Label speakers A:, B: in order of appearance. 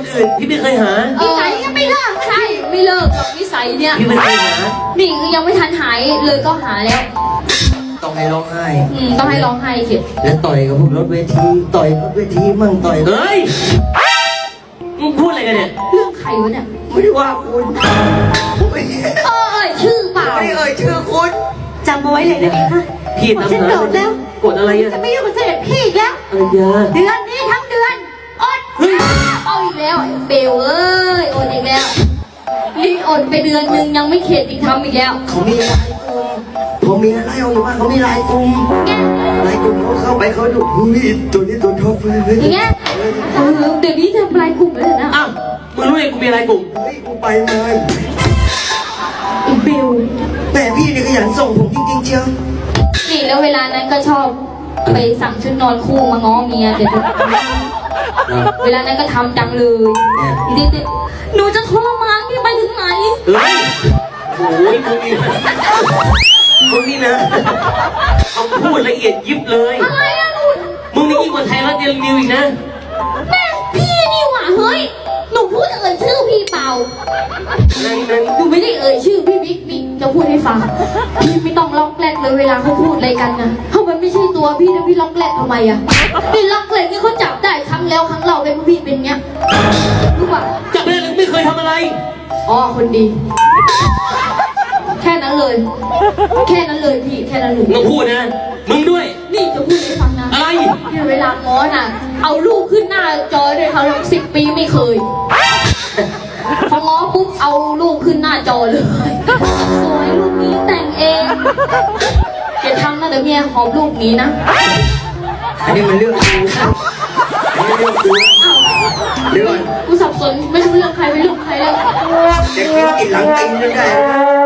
A: อื่นพี่ไม่เคยหา
B: นิสัยยังไม่เลิกใช่ไม่เลิกหรอกนิสัยเนี่ย
A: พี่ไม่เคยหา
B: นี่คือยังไม่ทันหายเลยก็หาแล้ว
A: ต้องให้ร้องไห้
B: ต้องให้ร้องไห้สิ
A: แล้วต่อยกับพวกรถเวทีต่อยรถเวทีมั่งต่อยเฮ้ยมึงพูดอะไรกันเนี่ย
B: เรื่องใครวะเนี่ย
A: ไม่ได้ว่าคุณ
B: ชื่อเปล่า
A: ไม่ชื่อคุณ
C: จำเอาไว้เลยนะพี่ค่ะ
A: พี่ทำ
C: ฉันโกรธแล้ว
A: กดอะไรอ่ะ
C: จะไม่ยุ่งกับเสด็จพี่อีกแล้ว
A: อะไรเ
C: ดือนนี้ทั้งเดือนอด
B: เอาอีกแล้วเบลเอ้ยอดอีกแล้วนี่อดไปเดือนนึงยังไม่เข็ดอีกทำอีกแล้ว
A: เขามีลายกลุ่มผมมีอะไรเอาอยู่บ้านเขามีลายกลุ่มเขาเข้าไปเขาดูตัวนี้ตัวท็อปเลย
B: อย่างเงี้ยเดี๋ยวนี้ทำลายกลุ่มเลยนะ
A: อ้าวมึงรู้เองกูมีลายกลุ่มเฮ้ยกูไปเลย
B: เบล
A: แต่พี่นี่ขยันส่งผมจริงๆเชียว
B: นี่แล้วเวลานั้นก็ชอบไปสั่งชุดนอนคู่มาง้อเมียเดี๋ยวเวลานั้นก็ทำจังเลยหนูจะทรมานพี่ไปถึงไหน
A: เฮ้ยโอ้ยมึงนี่นะเขาพูดละเอียดยิบเลย
B: อะไรอะลูก
A: มึงนี่ยิ่งกว่าไทยรัฐเดลินิวอีกนะ
B: แม่พี่นี่หว่าเฮ้ยหนูพูดเอ่ยชื่อพี่เปล่าหนูไม่ได้เอ่ยชื่อพี่บิ๊กจะพูดให้ฟังพี่ไม่ต้องล็อกแรกเลยเวลาเขาพูดอะไรกันนะเพราะมันไม่ใช่ตัวพี่นะพี่ล็อกแรกทำไมอะพี่ล็อกแรกนี่เขาจับได้ครั้งแล้วครั้งเล่าเป็นพี่เป็นเงี้ยรู้ป่ะ
A: จับได้แล้วไม่เคยทำอะไร
B: อ๋อคนดีแค่นั้นเลยแค่นั้นเลยพี่แค่นั้นเลย
A: มึงพูดนะมึงด้วย
B: นี่จะพูดให้ฟังนะ
A: อะไร
B: ที่เวลาง้อน่ะเอาลูกขึ้นหน้าจอด้วยเขา10 ปีไม่เคยพอง้อปุ๊บเอาลูกขึ้นหน้าจอเลยสวยลูกนี้แต่งเองเดี๋ยวทำนะเดี๋ยวเมียหอมลูกนี้นะ
A: อันนี้มันเรื่องกูเรื่อง
B: กูสับสนไม่รู้เรื่องใครไม่รู้ใครเลย
A: เด็กกินหลังตีนไม่ได้